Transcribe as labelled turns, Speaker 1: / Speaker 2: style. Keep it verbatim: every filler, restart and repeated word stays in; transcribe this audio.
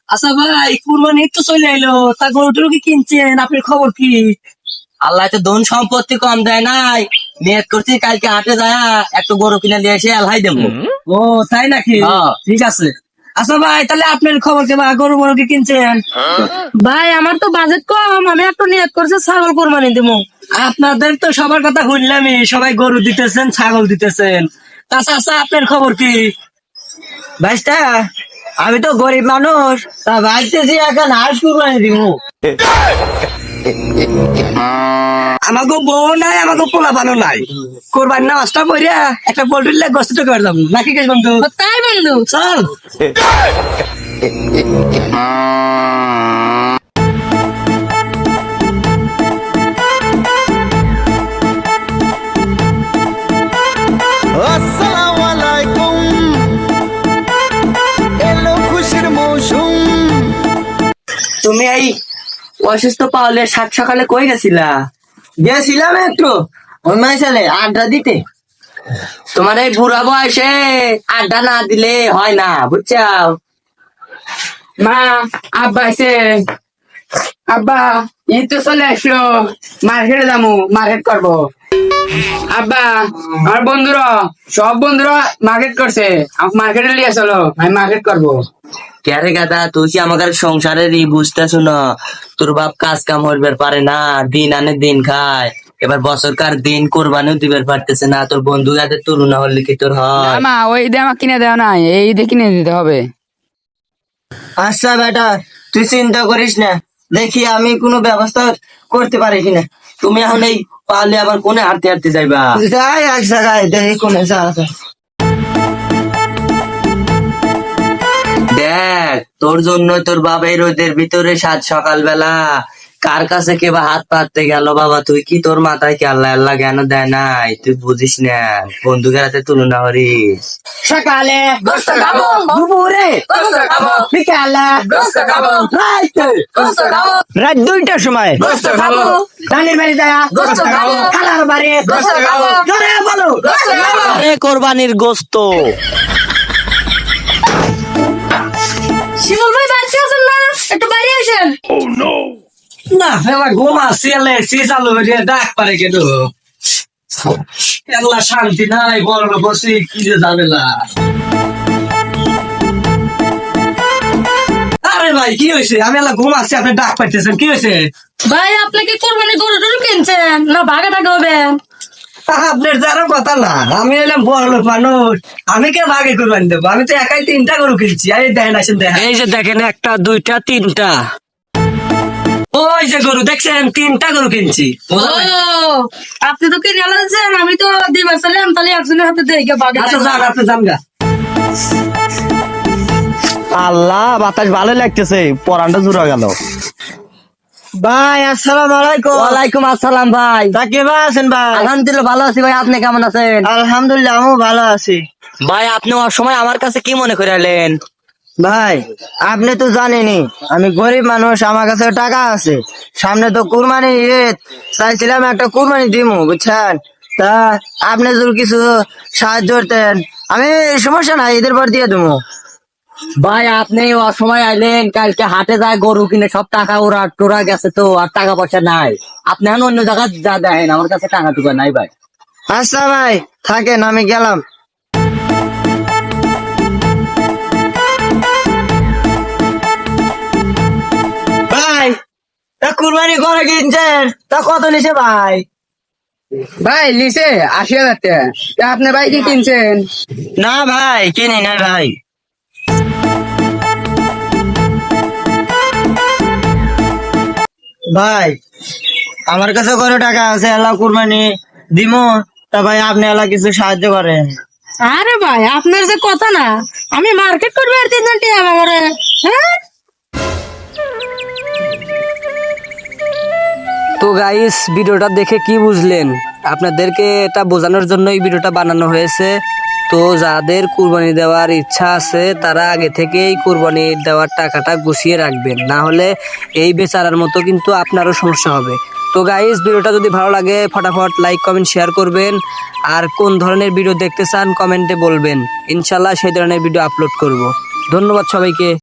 Speaker 1: আচ্ছা ভাই, কুরবানি তো চলে এলো, তা গরু টরু কি কিনছেন? আপনার খবর কি?
Speaker 2: আল্লাহ তো ধন সম্পত্তি কম দেয় নাই, নিয়ত করছি কালকে হাটে যায় একটু গরু কিনে নিয়ে এসে আল্লাহ দেবো।
Speaker 1: ও তাই নাকি?
Speaker 2: হ্যাঁ।
Speaker 1: ঠিক আছে। আচ্ছা ভাই, তাহলে আপনার খবর কি? বা গরু মরু কি কিনছেন?
Speaker 3: ভাই আমার তো বাজেট কম, আমি একটা নিয়ত করছি ছাগল কোরবানি দিব।
Speaker 1: আপনাদের তো সবার কথা শুনলামই, সবাই গরু দিতেছেন, ছাগল দিতেছেন। আচ্ছা আচ্ছা, আপনার খবর কি?
Speaker 2: ভাইস্তা, আমি তো গরিব মানুষ, তা ভাবতেছি এখন হাঁস কুরবানি দিব।
Speaker 1: আমাকে বউ নাই, আমাকে পোলা বানো নাই, কোরবানি নামাজটা পড়িয়া একটা পোল্ট্রির লেগ গোস্ত করে যাবো নাকি কেস বন্ধু?
Speaker 3: তাই বন্ধু,
Speaker 1: চল।
Speaker 4: আসসালামু আলাইকুম, এলো খুশির মৌসুম।
Speaker 2: তুমি এই অসুস্থ পাওয়ালে সাত সকালে কই গেছিলা?
Speaker 1: গেছিলাম একটু
Speaker 2: ওই মাইসালে আড্ডা দিতে। তোমার এই বুড়া বয়সে আড্ডা না দিলে হয় না, বুঝছাও?
Speaker 3: মা আব্বা আছে, আব্বা ঈদ তো চলে আসলো, মার্কেটে যাবো, মার্কেট করবো। আব্বা আমার বন্ধুরা, সব বন্ধুরা মার্কেট করছে, আমাকে মার্কেটে নিয়ে চলো, আমি মার্কেট করবো।
Speaker 2: ক্যারে গাদা, তুই কি আমাদের সংসারের ই বুঝতেছ না? তোর বাপ কাজ কাম হইবার পারে না, দিন আনে দিন খায়, এবার বছরকার দিন কোরবানিও দিবার পারতেছে না। তোর বন্ধু গাদের তুলনা হলে কি তোর হয়?
Speaker 3: মা ওই ঈদে আমাকে কিনে দেওয়া নাই, এই ঈদে কিনে দিতে হবে।
Speaker 2: আচ্ছা বেটা, তুই চিন্তা করিস না, দেখি আমি কোনো ব্যবস্থা করতে পারি কিনা। তুমি এখন এই পারলে আবার কোনে হাঁটতে হাঁটতে যাইবা? যাই এক জায়গায় দেখি কোনে যাওয়া যায়। দেখ, তোর জন্য তোর বাবা এই রোদের ভিতরে সাত সকালবেলা কার কাছে কে বা হাত পাততে গেল। বাবা, তুই কি তোর মাথায় কি আল্লাহ আল্লাহ জ্ঞান দেয় নাই? তুই বুঝিস না, বন্ধুকের হাতে তুলনা করিস।
Speaker 3: সকালে গোস্ত খাবো,
Speaker 2: দুপুরে
Speaker 3: গোস্ত খাবো,
Speaker 2: বিকালে
Speaker 3: গোস্ত খাবো,
Speaker 2: রাইতে
Speaker 3: গোস্ত খাবো,
Speaker 2: রাত দুইটার সময়
Speaker 3: গোস্ত খাবো,
Speaker 2: ধানের বাড়ি যায়
Speaker 3: গোস্ত খাবো,
Speaker 2: খালার বাড়ি
Speaker 3: গোস্ত খাবো,
Speaker 2: জোরে বলো
Speaker 3: গোস্ত খাবো।
Speaker 2: এ কোরবানির গোস্ত।
Speaker 3: শিমুল ভাই বাড়িতে আছেন না? একটু বাইরে আসেন।
Speaker 1: না ফেলা গোমা সিয়ালে সি চালু হয়ে ডাক পারে কেন? এলা শান্তি নাই, বড় বসি কি যে ঝামেলা। আরে ভাই কি হয়েছে? আমি এলা ঘুমাচ্ছি, আপনি ডাক পাইতেছেন, কি হয়েছে?
Speaker 3: ভাই আপনি কি কোরবানি গরু টরু কিনছেন না ভাগে টাকা হবেন?
Speaker 1: আপনার যারা কথা না, আমি এলাম বড় লোক মানুষ, আমি কে ভাগে কোরবানি দেবো? আমি তো একাই তিনটা গরু কিনছি। আরে দেখেন, আসেন দেখেন, এই যে দেখেন, একটা দুইটা তিনটা, ওই যে গরু দেখছেন, তিনটা গরু কিনছি।
Speaker 3: ও আপনি তো কিনে আনছেন, আমি তো দিবার চাইলাম, তাহলে একজনের হাতে দেখে ভাগে
Speaker 1: আচ্ছা
Speaker 3: টাকা।
Speaker 1: যান, আপনি যান গা।
Speaker 2: আল্লাহ, বাতাস ভালো লাগতেছে, পরানটা জুড়া গেল। ভাই আসসালামু আলাইকুম। ওয়ালাইকুম আসসালাম ভাই। তা কেমন আছেন ভাই? আলহামদুলিল্লাহ ভালো আছি ভাই, আপনি কেমন আছেন? আলহামদুলিল্লাহ আমিও ভালো আছি। ভাই আপনি সময় আমার কাছে কি মনে করে এলেন? ভাই আপনি তো জানেনই আমি গরিব মানুষ, আমার কাছে টাকা আছে, সামনে তো কুরবানি ঈদ, চাইছিলাম একটা কুরবানি দিমু, বুঝছেন? তা আপনি যদি কিছু সাহায্য করতেন, আমি সমস্যা নাই, ঈদের পর দিয়ে দেবো। ভাই আপনি অসময় আইলেন, কালকে হাটে যায় গরু কিনে সব টাকা ওরা টোরা গেছে, তো আর টাকা পয়সা নাই। আপনি এখন অন্য জায়গায় যা দেখেন, আমার কাছে টাকা টুকা নাই ভাই। আচ্ছা ভাই থাকেন, আমি গেলাম। ভাই তা কুরবানি করে কিনছেন, তা কত নিছে ভাই?
Speaker 3: ভাই লিসে আশি হাজার টাকা। তা আপনি ভাই কি কিনছেন?
Speaker 2: না ভাই কিনি না ভাই। ভাই আমার কাছে কত টাকা আছে, এলা কুরবানি দিমু, তা ভাই আপনি এলা কিছু সাহায্য করেন।
Speaker 3: আরে ভাই আপনার যে কথা না, আমি মার্কেট করবো আর তিনজন টিয়া আমারে, হ্যাঁ?
Speaker 5: তো গাইস, ভিডিওটা দেখে কি বুঝলেন? আপনাদেরকে এটা বোঝানোর জন্য এই ভিডিওটা বানানো হয়েছে। তো যাদের কুরবানি দেওয়ার ইচ্ছা আছে তারা আগে থেকেই কুরবানি দেওয়ার টাকাটা গুছিয়ে রাখবেন, না হলে এই বেচারার মতো কিন্তু আপনারও সমস্যা হবে। তো গাইস, ভিডিওটা যদি ভালো লাগে ফটাফট লাইক কমেন্ট শেয়ার করবেন, আর কোন ধরনের ভিডিও দেখতে চান কমেন্টে বলবেন, ইনশাল্লাহ সেই ধরনের ভিডিও আপলোড করব। ধন্যবাদ সবাইকে।